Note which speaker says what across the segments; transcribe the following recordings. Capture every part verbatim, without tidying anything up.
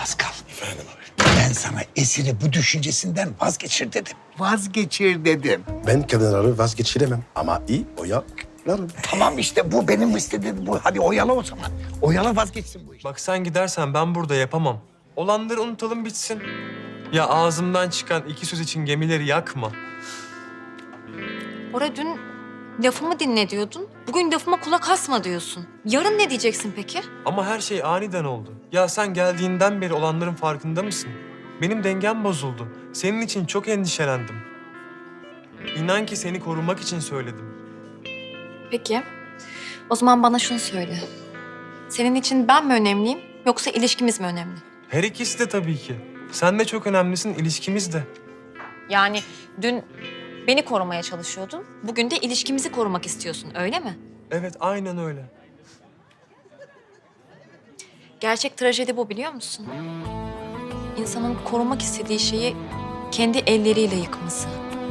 Speaker 1: Pascal,
Speaker 2: Efendim abi.
Speaker 1: ben sana Esir'i bu düşüncesinden vazgeçir dedim.
Speaker 3: Vazgeçir dedim.
Speaker 2: Ben kadınları vazgeçiremem ama iyi oyalarım.
Speaker 1: Tamam işte bu benim istediğim bu. Hadi oyala o zaman. Oyala vazgeçsin bu iş.
Speaker 4: Bak sen gidersen ben burada yapamam. Olanları unutalım bitsin. Ya ağzımdan çıkan iki söz için gemileri yakma.
Speaker 5: Bora dün lafımı dinle diyordun. Bugün lafıma kulak asma diyorsun. Yarın ne diyeceksin peki?
Speaker 4: Ama her şey aniden oldu. Ya sen geldiğinden beri olanların farkında mısın? Benim dengem bozuldu. Senin için çok endişelendim. İnan ki seni korumak için söyledim.
Speaker 5: Peki. O zaman bana şunu söyle. Senin için ben mi önemliyim yoksa ilişkimiz mi önemli?
Speaker 4: Her ikisi de tabii ki. Sen de çok önemlisin, ilişkimiz de.
Speaker 5: Yani dün beni korumaya çalışıyordun. Bugün de ilişkimizi korumak istiyorsun, öyle mi?
Speaker 4: Evet, aynen öyle.
Speaker 5: Gerçek trajedi bu, biliyor musun? İnsanın korumak istediği şeyi kendi elleriyle yıkması.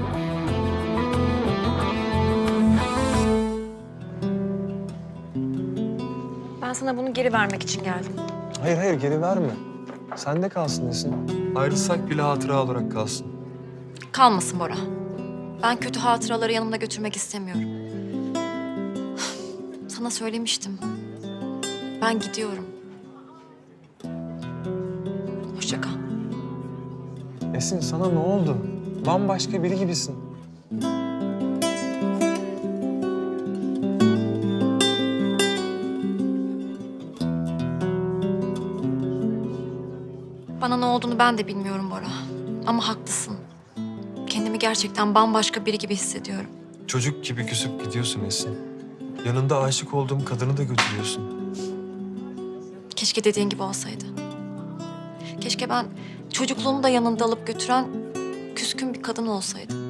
Speaker 5: Ben sana bunu geri vermek için geldim.
Speaker 4: Hayır hayır, geri verme. Sende kalsın Esin. Ayrılsak bile hatıra olarak kalsın.
Speaker 5: Kalmasın Bora. Ben kötü hatıraları yanımda götürmek istemiyorum. Sana söylemiştim. Ben gidiyorum. Hoşça kal.
Speaker 4: Esin, sana ne oldu? Bambaşka biri gibisin.
Speaker 5: Bana ne olduğunu ben de bilmiyorum Bora. Ama haklısın. Kendimi gerçekten bambaşka biri gibi hissediyorum.
Speaker 4: Çocuk gibi küsüp gidiyorsun Esin. Yanında aşık olduğum kadını da götürüyorsun.
Speaker 5: Keşke dediğin gibi olsaydı. Keşke ben çocukluğumu da yanında alıp götüren küskün bir kadın olsaydım.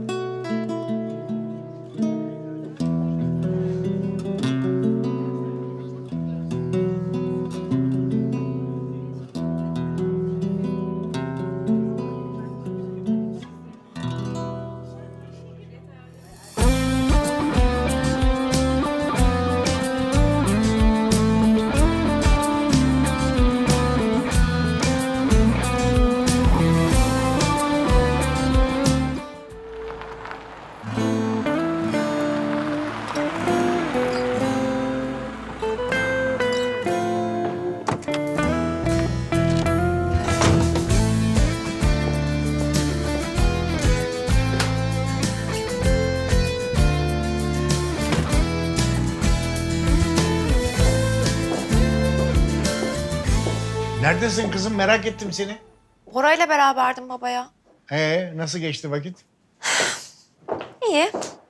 Speaker 3: Neredesin kızım? Merak ettim seni.
Speaker 5: Bora'yla beraberdim babaya.
Speaker 3: Ee, nasıl geçti vakit?
Speaker 5: İyi.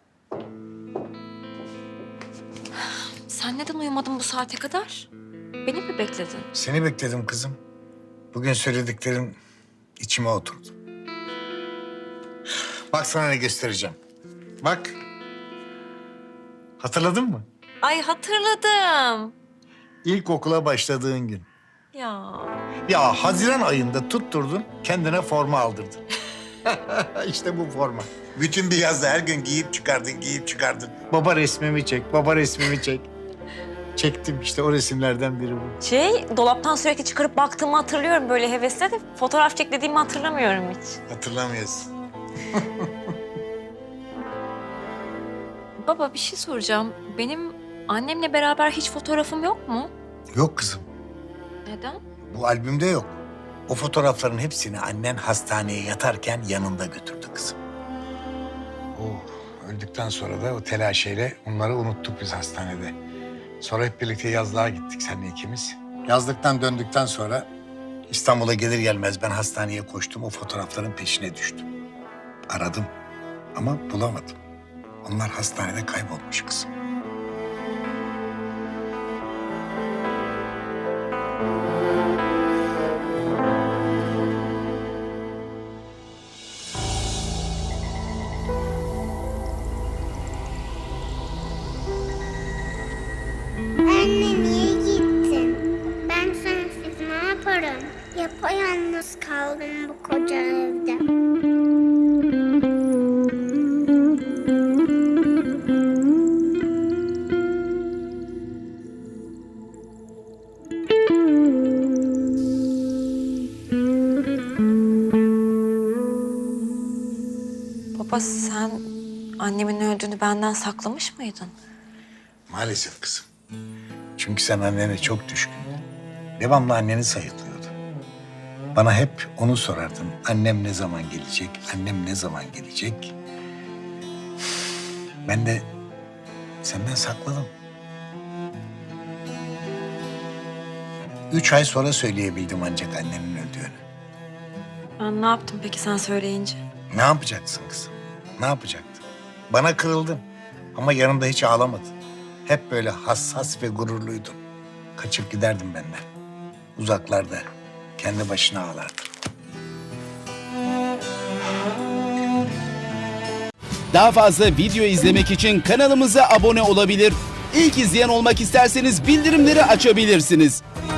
Speaker 5: Sen neden uyumadın bu saate kadar? Beni mi bekledin?
Speaker 3: Seni bekledim kızım. Bugün söylediklerin içime oturdu. Bak sana ne göstereceğim. Bak. Hatırladın mı?
Speaker 5: Ay hatırladım.
Speaker 3: İlkokula başladığın gün.
Speaker 5: Ya.
Speaker 3: Ya Haziran ayında tutturdun, kendine forma aldırdın. İşte bu forma. Bütün bir yazda her gün giyip çıkardın, giyip çıkardın. Baba resmimi çek, baba resmimi çek. Çektim işte o resimlerden biri bu.
Speaker 5: Şey, dolaptan sürekli çıkarıp baktığımı hatırlıyorum böyle hevesle de fotoğraf çek dediğimi hatırlamıyorum hiç.
Speaker 3: Hatırlamıyorsun.
Speaker 5: Baba bir şey soracağım. Benim annemle beraber hiç fotoğrafım yok mu?
Speaker 3: Yok kızım,
Speaker 5: Neden?
Speaker 3: bu albümde yok. O fotoğrafların hepsini annen hastaneye yatarken yanında götürdü kızım. O öldükten sonra da o telaşeyle onları unuttuk biz hastanede. Sonra hep birlikte yazlığa gittik seninle ikimiz. Yazlıktan döndükten sonra İstanbul'a gelir gelmez ben hastaneye koştum. O fotoğrafların peşine düştüm. Aradım ama bulamadım. Onlar hastanede kaybolmuş kızım.
Speaker 6: Anne niye gittin? Ben sensiz ne yaparım? Yapayalnız kaldım bu koca evde.
Speaker 5: annemin öldüğünü benden saklamış mıydın?
Speaker 3: Maalesef kızım. Çünkü sen annene çok düşkündün. Devamlı anneni sayıklıyordu. Bana hep onu sorardın. Annem ne zaman gelecek? Annem ne zaman gelecek? Ben de senden sakladım. Üç ay sonra söyleyebildim ancak annenin öldüğünü.
Speaker 5: Ben ne yaptım peki sen söyleyince?
Speaker 3: Ne yapacaksın kızım? Ne yapacaktın? Bana kırıldın ama yanımda hiç ağlamadın. Hep böyle hassas ve gururluydun. Kaçıp giderdim benden. Uzaklarda kendi başına ağlardın.
Speaker 7: Daha fazla video izlemek için kanalımıza abone olabilir. İlk izleyen olmak isterseniz bildirimleri açabilirsiniz.